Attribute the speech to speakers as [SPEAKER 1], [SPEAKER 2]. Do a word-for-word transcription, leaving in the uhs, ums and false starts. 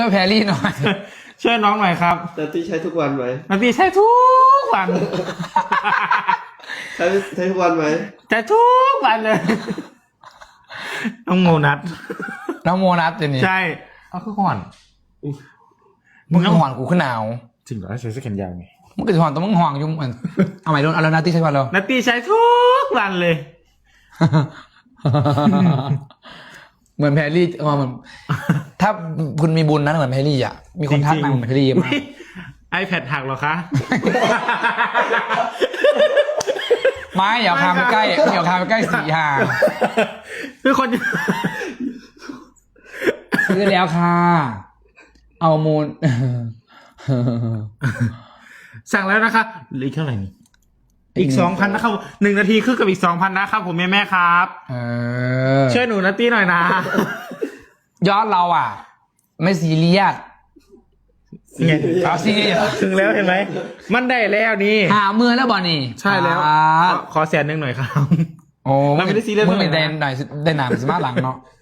[SPEAKER 1] แพรรี่หน่อย
[SPEAKER 2] ช่วยน้องหน่อยครับ
[SPEAKER 3] นัตตี้ใช้ทุกวันไหม
[SPEAKER 2] นัตตี้ใช้ทุกวัน
[SPEAKER 3] ใช้ใช้ทุกวันไหม
[SPEAKER 2] ใช้ทุกวันเลย น้องโมนัท
[SPEAKER 1] น้องโมนัสเดี๋ยวนี้
[SPEAKER 2] ใช่
[SPEAKER 1] เอาคือห่อนมึงก็ห่อนกูขึ้นหนาว
[SPEAKER 2] จริงเหรอใช้เสื้อแขนยาวไง
[SPEAKER 1] มึงก็จะห่อนต้องมึงห่วงยุ่งมันเอาใหม่โดนเอาแล้วนัตตี้ใช่ป่ะเรา
[SPEAKER 2] นัตตี้ใช้ทุกวันเลย
[SPEAKER 1] เหมือนแพรรี่เออเหมือนถ้าคุณมีบุญนะเหมือนแพรรี่อ่ะมีคนทักมาเหมือนแพรรี่เยอะมาก
[SPEAKER 2] ไอแพดหักเหรอคะ
[SPEAKER 1] ไม่อย่าพาไปใกล้อย่าพาไปใกล้สีหา
[SPEAKER 2] คือคน
[SPEAKER 1] ซื้อแล้วค่ะเอามูล
[SPEAKER 2] สั่งแล้วนะคะเหลืออีกเท่าไหร่นี่อีกสองพันนะครับหนึ่งนาทีคือกับอีกสองพันนะครับผมแม่แม่ครับ
[SPEAKER 1] เออ
[SPEAKER 2] ช่วยหนูนัตตี้หน่อยนะ
[SPEAKER 1] ยอดเราอ่ะ ไม่ซีเรียส
[SPEAKER 2] เนี่ย
[SPEAKER 1] เอาซีเรียส
[SPEAKER 2] ถึงแล้วเห็นไหมมันได้แล้วนี่
[SPEAKER 1] หาเมือแล้วบอนี่
[SPEAKER 2] ใช่แล้ว
[SPEAKER 1] อ่า
[SPEAKER 2] ขอแสนหนึ่งหน่อยครับ
[SPEAKER 1] โอ้
[SPEAKER 2] เราไม่ได้ซีเรียส
[SPEAKER 1] มึงไม่
[SPEAKER 2] เท่าไหร่
[SPEAKER 1] ได้
[SPEAKER 2] นะ
[SPEAKER 1] หน่อยได้หนามสมาร์ทหลังเนาะ